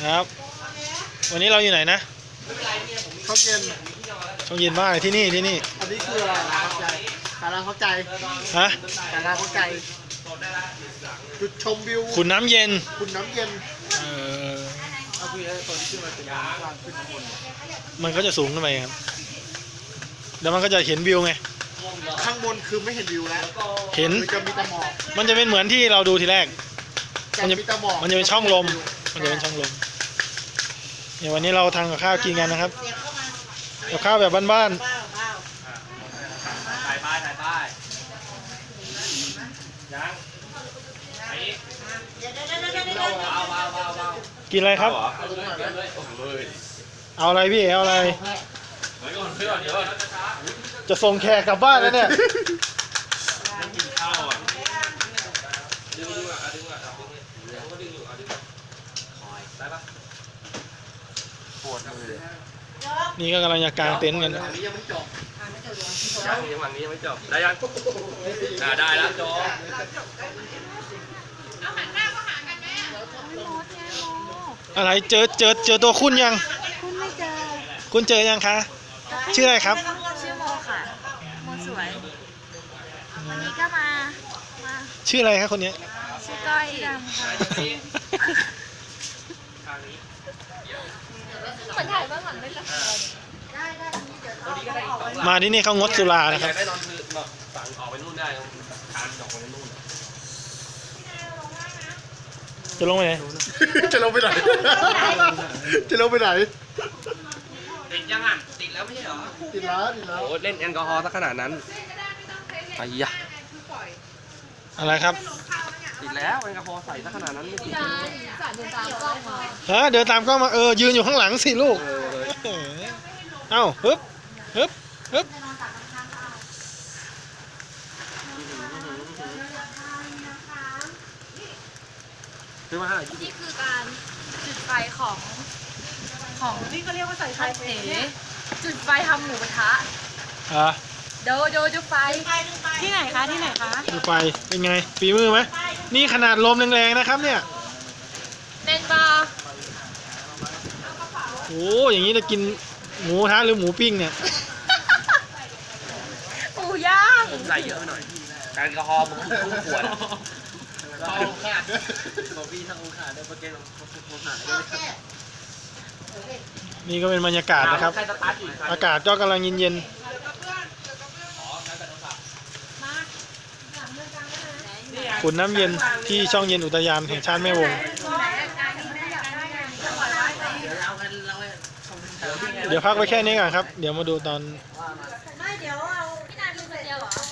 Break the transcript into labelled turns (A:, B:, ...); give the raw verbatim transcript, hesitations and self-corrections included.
A: ครับ วันนี้เราอยู่ไหนนะ
B: ช่องเย็น
A: ช่องเย็นมากเลยที่นี่ที่นี่
B: อันนี้คืออะไรนะครับใจสาราเข้าใจ
A: ฮะ
B: สาราเข้าใจจุดชมวิว
A: ขุนน้ำเย็น
B: ขุนน้ำเย็น
A: เออ
B: เอาพี่ตอนที่ขึ้นมาเป็นยางล่างขึ้นข้างบน
A: มันก็จะสูงขึ้นไปครับแล้วมันก็จะเห็นวิวไง
B: ข้างบนคือไม่เห็นวิวแล้ว
A: เห็น
B: จะมีแต่หมอก
A: มันจะเป็นเหมือนที่เราดูทีแรก
B: มันจะมีแต่หมอก
A: มันจะเป็นช่องลมมันจะเป็นช่องลมเดี๋ยววันนี้เราทำกับข้าวกินกันนะครับกับข้าวแบบบ้านๆ
C: ถ่ายป้ายถ่ายป้ายยัง
A: กินอะไรครับเอาอะไรพี่เอาอะไรจะส่งแขกกลับบ้านแล้วเนี่ยนี่ก็กำลังจะกางเต็นท์กัน
C: ยังฝั่งนี้ยังไม่จบได้ยังอ่าได้แล้วจบ
A: อะไรเจอเจอเจอตัวคุณยัง
D: คุณไม่เจอ
A: คุณเจอยังคะชื่ออะไรครับ
D: ชื่อโมค่ะโมสวยวันนี้ก็มามา
A: ชื่ออะไรครับคนนี้
D: ชื่อก้อยดำค่ะเหมือนถ่ายบ้างหลังได้ละ
A: มาที่นี่เขางดสุรานะครับ
C: ได้ตอนคือแบบสั่งออกไปนู่นได้ทานออกไปนู่น
A: จะลงไปไหน
B: จะลงไปไหนจะลงไปไหน
C: ติดยังอ่ะติดแล้วไม่ใช่เหรอ
B: ติดแล้วติดแล้ว
C: โอ้เล่นแอลกอฮอล์ซะขนาดนั้นไอ้ยะ
A: อะไรครับ
C: ติดแล้วแอลกอฮอล์ใส่ซะขนาดนั้นไม่ติด
A: ฮะเดินตามกล้องมาเออยืนอยู่ข้างหลังสิลูกเอ้าฮึบฮึบฮึบ
C: คือมาให้
D: นี่คือการจุดไฟของของนี่ก็เรียกว่าใส่ไฟเสจุดไฟทำหมูกระทะ
A: อ่ะ
D: โดโดจุดไฟที่ไหนคะที่ไหนคะ
A: จุดไฟเป็นไงฝีมือไหมนี่ขนาดลมแรงๆนะครับเนี่ย
D: เนนบาร์
A: โอ้อย่างนี้จะกินหมูกระทะหรือหมูปิ้งเนี่ย
D: หมูย่าง
C: ผมใส่เยอะไปหน่อยแอลกอฮอล์ผมครึ่งขวดองขาดด้วยบอกพี่ทั้งองขาดด้วยประเกณฑ์องขาดด้วย
A: นี่ก็เป็นบรรยากาศนะครับอากาศก็กำลังเย็นๆขุนน้ำเย็นที่ช่องเย็นอุทยานแห่งชาติแม่วงเดี๋ยวพักไว้แค่นี้ก่อนครับเดี๋ยวมาดูตอน
D: ไม่เดี๋ยวเอาพี่นาดูคนเดียวเหรอ